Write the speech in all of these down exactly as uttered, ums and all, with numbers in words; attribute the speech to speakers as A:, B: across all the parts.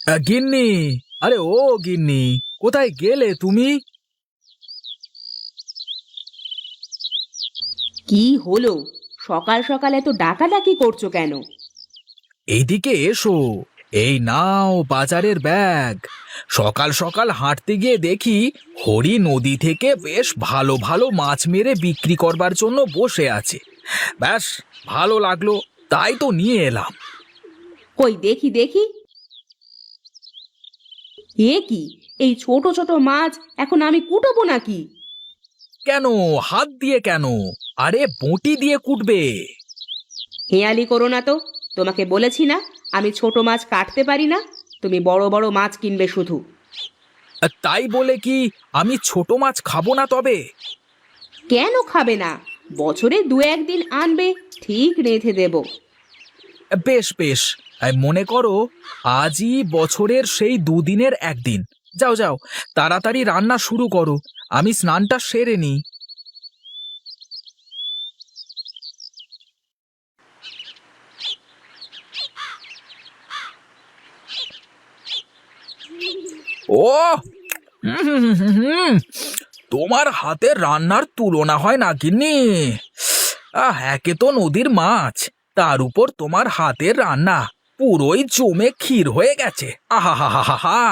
A: আহ, গিন্নি, আরে ও গিন্নি, কোথায় গেলে তুমি?
B: কি হলো? সকাল সকাল এত ডাকাডাকি করছো কেন?
A: এইদিকে এসো। এই নাও বাজারের ব্যাগ। সকাল সকাল হাঁটতে গিয়ে দেখি হরি নদী থেকে বেশ ভালো ভালো মাছ মেরে বিক্রি করবার জন্য বসে আছে। ব্যাস, ভালো লাগলো, তাই তো নিয়ে এলাম।
B: কই দেখি দেখি। এ কি? এই ছোট ছোট মাছ এখন আমি কুটবো নাকি?
A: কেন? হাত দিয়ে কেন? আরে বঁটি দিয়ে কুটবে।
B: হেয়ালি করো না তো। তোমাকে বলেছি না আমি ছোট মাছ কাটতে পারি না। তুমি বড় বড় মাছ কিনবে শুধু।
A: আর তাই বলে কি আমি ছোট মাছ খাবো না তবে?
B: কেন খাবে না? বছরে দু একদিন আনবে, ঠিক রেঁধে দেব।
A: বেশ বেশ, এই মনে করো আজই বছরের সেই দুদিনের একদিন। যাও যাও, তাড়াতাড়ি রান্না শুরু করো, আমি স্নানটা সেরে নিই। ও হুম হুম হুম হুম হুম, তোমার হাতের রান্নার তুলনা হয় না গিন্নি। আহ, একে তো নদীর মাছ, তার উপর তোমার হাতের রান্না পুরোই জমে ক্ষীর হয়ে গেছে। আহা হা হা হা হা।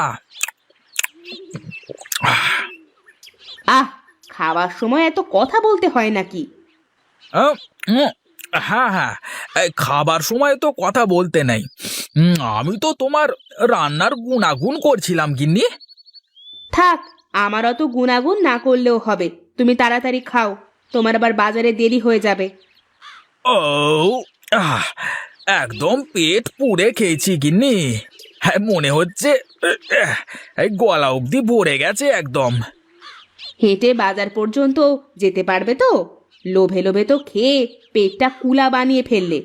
B: আহ, খাওয়ার সময় এত কথা বলতে হয় নাকি?
A: আহ, উম, হ্যাঁ হ্যাঁ, এই খাবার সময় তো কথা বলতে নেই। উম, আমি তো তোমার রান্নার গুণাগুণ করছিলাম গিন্নি।
B: থাক, আমার অত গুণাগুণ না করলেও হবে। তুমি তাড়াতাড়ি খাও, তোমার আবার বাজারে দেরি হয়ে যাবে।
A: ও আহ, একদম পেট পুড়ে খেয়েছি গিন্নি। হ্যাঁ, মনে হচ্ছে আহ, এই গলা অবধি ভরে গেছে একদম।
B: হেঁটে বাজার পর্যন্ত যেতে পারবে তো? লোভে লোভে তো খেয়ে পেটটা কুলা বানিয়ে ফেললে।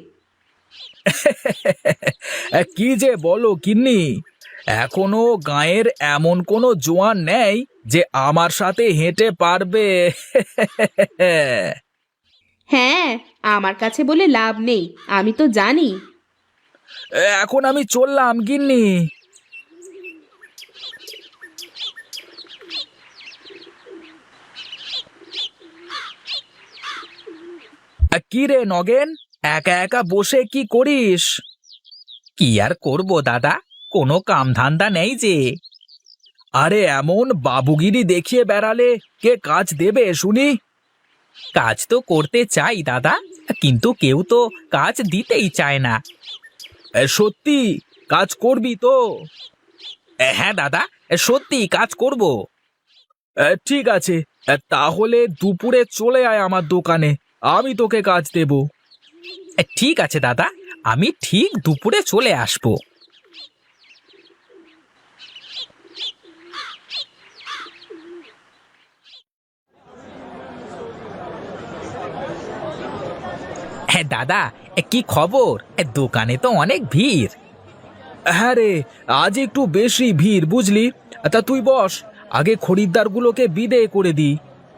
A: কি যে বলো গিন্নি, এখনো গাঁয়ের এমন কোনো জোয়ান নেই যে আমার সাথে হেঁটে পারবে।
B: হ্যাঁ, আমার কাছে বলে লাভ নেই, আমি তো জানি।
A: এখন আমি চললাম গিন্নি। কি রে নগেন, একা একা বসে কি করিস? কি আর করব দাদা, কোনো কাম ধান্দা নেই যে। আরে এমন বাবুগিরি দেখিয়ে বেড়ালে কে কাজ দেবে শুনি? কাজ তো করতে চাই দাদা, কিন্তু কেউ তো কাজ দিতেই চায় না। এ, সত্যি কাজ করবি তো? এ, হ্যাঁ দাদা, এ, সত্যি কাজ করব। এ, ঠিক আছে, এ, তাহলে দুপুরে চলে আয় আমার দোকানে, আমি তোকে কাজ দেব। এ, ঠিক আছে দাদা, আমি ঠিক দুপুরে চলে আসবো। হ্যাঁ দাদা, এ, কি খবর? এ, দোকানে তো অনেক ভিড়। হ্যাঁ রে, আজ একটু বেশি ভিড় বুঝলি। তা তুই বস, আগে খরিদ্দারগুলোকে বিদেয় করে দি।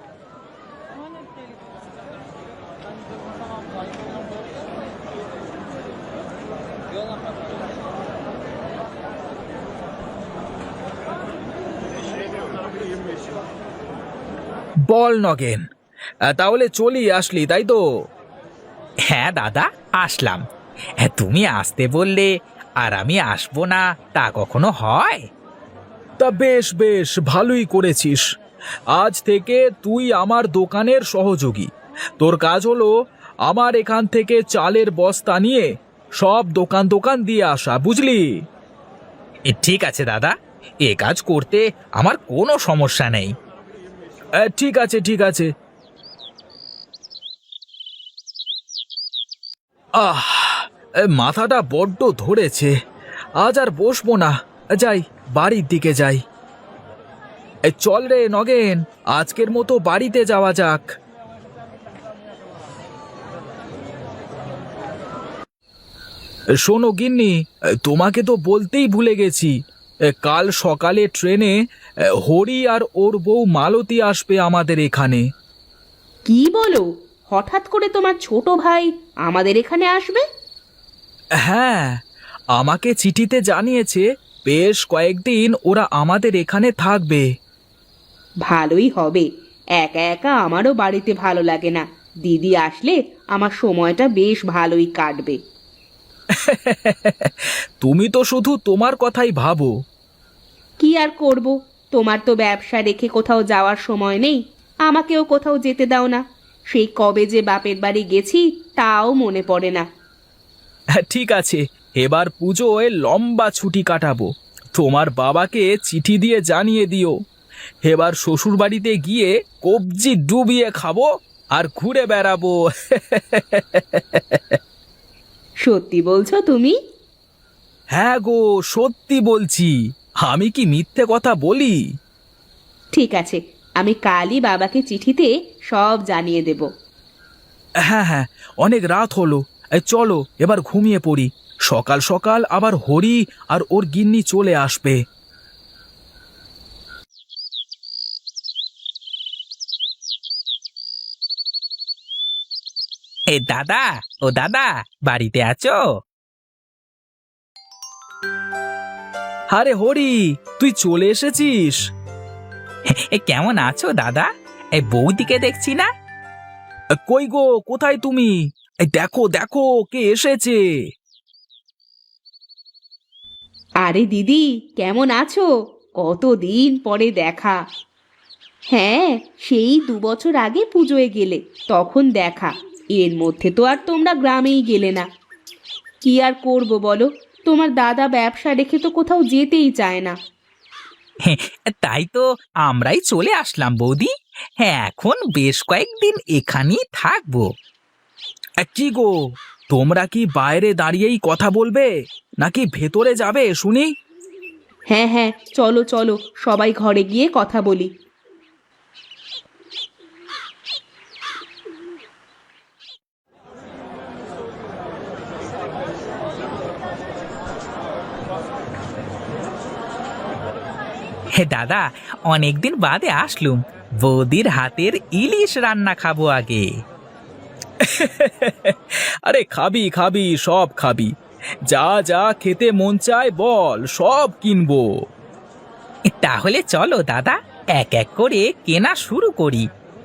A: বল নগেন, আহ, তাহলে চলি আসলি তাই তো? হ্যাঁ দাদা, আসলাম। হ্যাঁ, তুমি আসতে বললে আর আমি আসবো না তা কখনো হয়? তা বেশ বেশ, ভালোই করেছিস। আজ থেকে তুই আমার দোকানের সহযোগী। তোর কাজ হলো আমার এখান থেকে চালের বস্তা নিয়ে সব দোকান দোকান দিয়ে আসা, বুঝলি? এ, ঠিক আছে দাদা, এ কাজ করতে আমার কোনো সমস্যা নেই। এ, ঠিক আছে ঠিক আছে। আহ, এ, মাথাটা বড্ড ধরেছে, আজ আর বসবো না, যাই, বাড়ির দিকে যাই। এ, চল রে নগেন, আজকের মতো বাড়িতে যাওয়া যাক। এ, শোনো গিন্নি, এ, তোমাকে তো বলতেই ভুলে গেছি। এ, কাল সকালে ট্রেনে এ, হরি আর ওর বউ মালতী আসবে আমাদের এখানে।
B: কি বলো? হঠাৎ করে তোমার ছোট ভাই আমাদের এখানে আসবে?
A: হ্যাঁ, আমাকে চিঠিতে জানিয়েছে বেশ কয়েকদিন ওরা আমাদের এখানে থাকবে।
B: ভালোই হবে। একা একা আমারও বাড়িতে ভালো লাগে না। দিদি আসলে আমার সময়টা বেশ ভালোই কাটবে।
A: তুমি তো শুধু তোমার কথাই ভাবো।
B: কি আর করব, তোমার তো ব্যবসা রেখে কোথাও যাওয়ার সময় নেই। আমাকেও কোথাও যেতে দাও না। সেই কবে যে বাপের বাড়ি গেছি তাও মনে পড়ে না।
A: ঠিক আছে, এবার পুজোয় লম্বা ছুটি কাটাবো। তোমার বাবাকে চিঠি দিয়ে জানিয়ে দিও। এবার শ্বশুর বাড়িতে গিয়ে কবজি ডুবিয়ে খাবো আর ঘুরে বেড়াবো।
B: সত্যি বলছো তুমি?
A: হ্যাঁ গো, সত্যি বলছি। আমি কি মিথ্যে কথা বলি?
B: ঠিক আছে, আমি কালই বাবাকে চিঠিতে সব জানিয়ে দেব।
A: হ্যাঁ হ্যাঁ, অনেক রাত হলো। এই চলো এবার ঘুমিয়ে পড়ি। সকাল সকাল আবার হরি আর ওর গিন্নি চলে আসবে। এ দাদা, ও দাদা, বাড়িতে আছো? আরে হরি, তুই চলে এসেছিস? এ কেমন আছো দাদা? এই বৌদিকে দেখছি না। কই গো, কোথায় তুমি? এই দেখো দেখো, কে এসেছে।
B: আরে দিদি, কেমন আছো? কতদিন পরে দেখা। হ্যাঁ, সেই দু বছর আগে পুজোয় গেলে, তখন দেখা। এর মধ্যে তো আর তোমরা গ্রামেই গেলে না। কি আর করব বলো, তোমার দাদা ব্যবসা রেখে তো কোথাও যেতেই চায় না।
A: তাই তো আমরাই চলে আসলাম বৌদি। হ্যাঁ, এখন বেশ কয়েকদিন এখানেই থাকবো। কি গো, তোমরা কি বাইরে দাঁড়িয়েই কথা বলবে নাকি ভেতরে যাবে শুনি?
B: হ্যাঁ হ্যাঁ, চলো চলো, সবাই ঘরে গিয়ে কথা বলি।
A: হে দাদা, অনেকদিন বাদে আসলুম। বৌদির হাতের ইলিশ রান্না খাবো আগে। আরে খাবি খাবি, সব খাবি। যা যা খেতে মন চায় বল, সব কিনবো। তাহলে চলো দাদা, এক এক করে কেনা শুরু করি।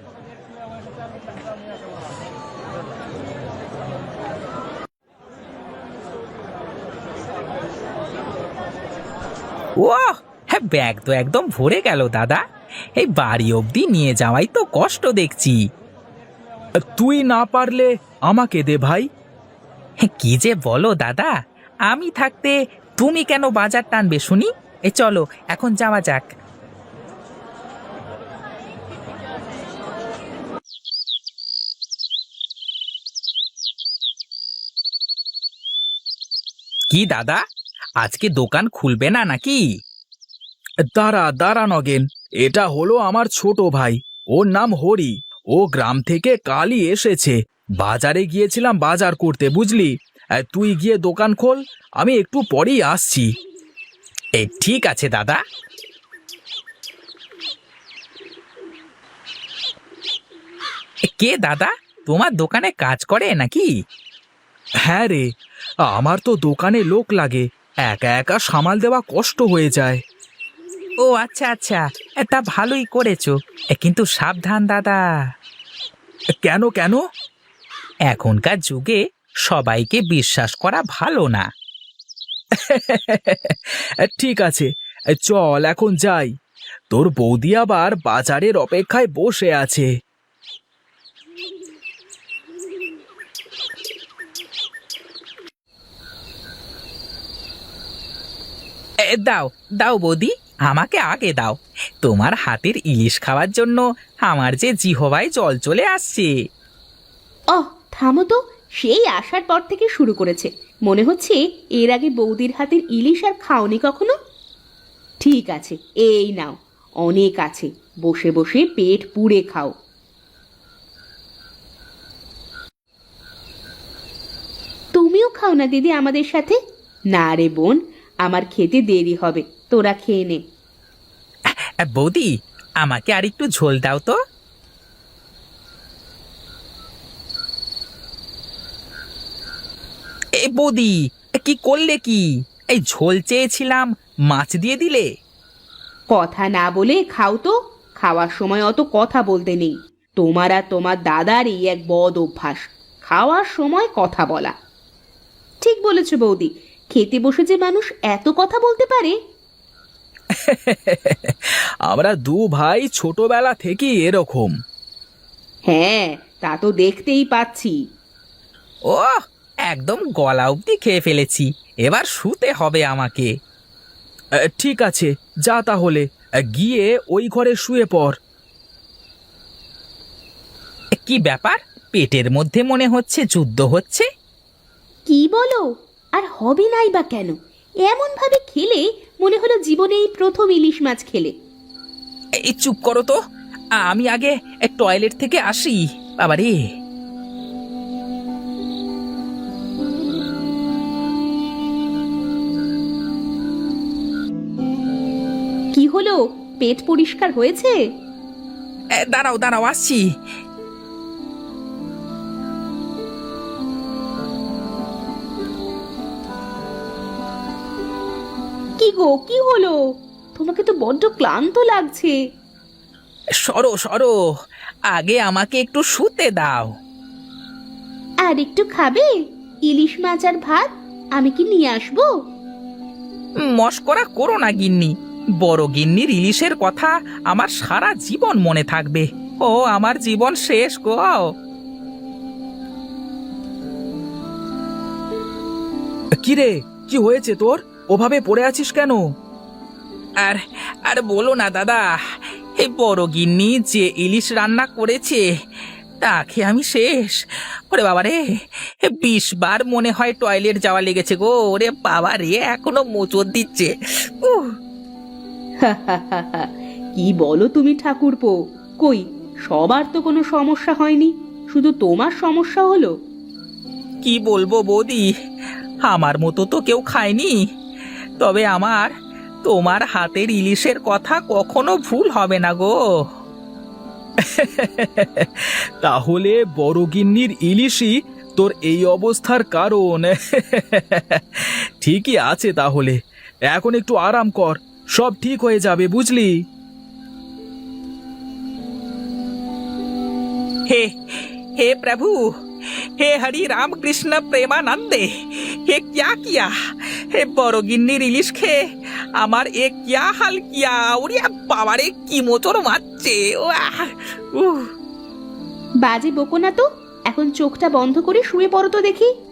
A: ও হ্যাঁ, ব্যাগ তো একদম ভরে গেল দাদা। এই বাড়ি অবধি নিয়ে যাওয়াই তো কষ্ট দেখছি। তুই না পারলে আমাকে দে ভাই। কি যে বলো দাদা, আমি থাকতে তুমি কেন বাজার টানবে শুনি? এ চলো এখন যাওয়া যাক। কি দাদা, আজকে দোকান খুলবে না নাকি? দাঁড়া দাঁড়া নগেন, এটা হলো আমার ছোট ভাই। ওর নাম হরি। ও গ্রাম থেকে কালই এসেছে। বাজারে গিয়েছিলাম বাজার করতে, বুঝলি। আহ, তুই গিয়ে দোকান খোল, আমি একটু পরেই আসছি। এ ঠিক আছে দাদা। এ, কে দাদা, তোমার দোকানে কাজ করে নাকি? হ্যাঁ রে, আমার তো দোকানে লোক লাগে। একা একা সামাল দেওয়া কষ্ট হয়ে যায়। ও আচ্ছা আচ্ছা, এ, তা ভালোই করেছো। এ, কিন্তু সাবধান দাদা। কেন কেন? এখনকার যুগে সবাইকে বিশ্বাস করা ভালো না। ঠিক আছে, চল এখন যাই। তোর বৌদি আবার বাজারের অপেক্ষায় বসে আছে। এ, দাও দাও বৌদি, আমাকে আগে দাও। তোমার হাতের ইলিশ খাওয়ার জন্য আমার যে জিহবায় জল চলে আসছে।
B: অহ, থামো তো। সেই আসার পর থেকে শুরু করেছে। মনে হচ্ছে এর আগে বৌদির হাতের ইলিশ আর খাওনি কখনো। ঠিক আছে, এই নাও, অনেক আছে। বসে বসে পেট পুড়ে খাও। তুমিও খাও না দিদি আমাদের সাথে। না রে বোন, আমার খেতে দেরি হবে, তোরা খেয়ে নে।
A: এ, বৌদি, আমাকে আর একটু ঝোল দাও তো। এ বৌদি, এ, কি করলে কি? এই ঝোল চেয়েছিলাম, মাছ দিয়ে দিলে।
B: কথা না বলে খাও তো। খাওয়ার সময় অত কথা বলতে নেই। তোমার আর তোমার দাদার এই এক বদ অভ্যাস, খাওয়ার সময় কথা বলা। ঠিক বলেছ বৌদি, খেতে বসে যে মানুষ এত কথা বলতে পারে।
A: আমরা দু ভাই ছোটবেলা থেকে এরকম।
B: হ্যাঁ, তা তো দেখতেই পাচ্ছি।
A: ও, একদম গলা অবধি খেয়ে ফেলেছি, এবার শুতে হবে আমাকে। এ, ঠিক আছে, যা তাহলে, এ, গিয়ে ওই ঘরে শুয়ে পড়। এ, কি ব্যাপার, পেটের মধ্যে মনে হচ্ছে যুদ্ধ হচ্ছে।
B: কি বলো? আর হবে নাই বা কেন? এমন ভাবে খেলে মনে হলো জীবনে এই প্রথম ইলিশ মাছ খেলে।
A: এই চুপ করো তো, আমি আগে এ, টয়লেট থেকে আসি। বাবারে,
B: কি হলো, পেট পরিষ্কার হয়েছে?
A: এ, দাঁড়াও দাঁড়াও, আসছি।
B: কি গো, কি হলো? তোমাকে তো বড্ড ক্লান্ত লাগছে।
A: সরো সরো, আগে আমাকে একটু শুতে দাও।
B: আর একটু খাবে? ইলিশ মাছ আর ভাত আমি কি নিয়ে আসবো?
A: মস্করা করো না গিন্নি, বড় গিন্নির ইলিশের কথা আমার সারা জীবন মনে থাকবে। ও আমার জীবন শেষ গো। কিরে, কি হয়েছে তোর? ওভাবে পড়ে আছিস কেন? আর আর বলো না দাদা, এই বড় গিন্নি যে ইলিশ রান্না করেছে তা খেয়ে আমি শেষ। ওরে বাবা রে, বিশ বার মনে হয় টয়লেট যাওয়া লেগেছে গো। ওরে বাবা রে, এখনো মোচড় দিচ্ছে। উহ,
B: কি বলো তুমি ঠাকুরপো? কই, সবার তো কোনো সমস্যা হয়নি, শুধু তোমার সমস্যা হলো।
A: কি বলবো বৌদি, আমার মতো তো কেউ খায়নি, তবে আমার তোমার হাতের ইলিশের কথা কখনো ভুল হবে না গো। তাহলে বড় গিন্নির ইলিশই তোর এই অবস্থার কারণ। ঠিকই আছে, তাহলে এখন একটু আরাম কর, সব ঠিক হয়ে যাবে, বুঝলি? हे हे प्रभु, हे हरि राम कृष्ण प्रेमानंदे, हे क्या किया? हे বড় গিন্নির ইলিশ খেয়ে আমার এ क्या হাল কিয়া। ওরে বাবারে, কি মোচড় মারছে। ওয়াহ, উহ।
B: বাজে বকো না তো, এখন চোখটা বন্ধ করে শুয়ে পড়ো তো দেখি।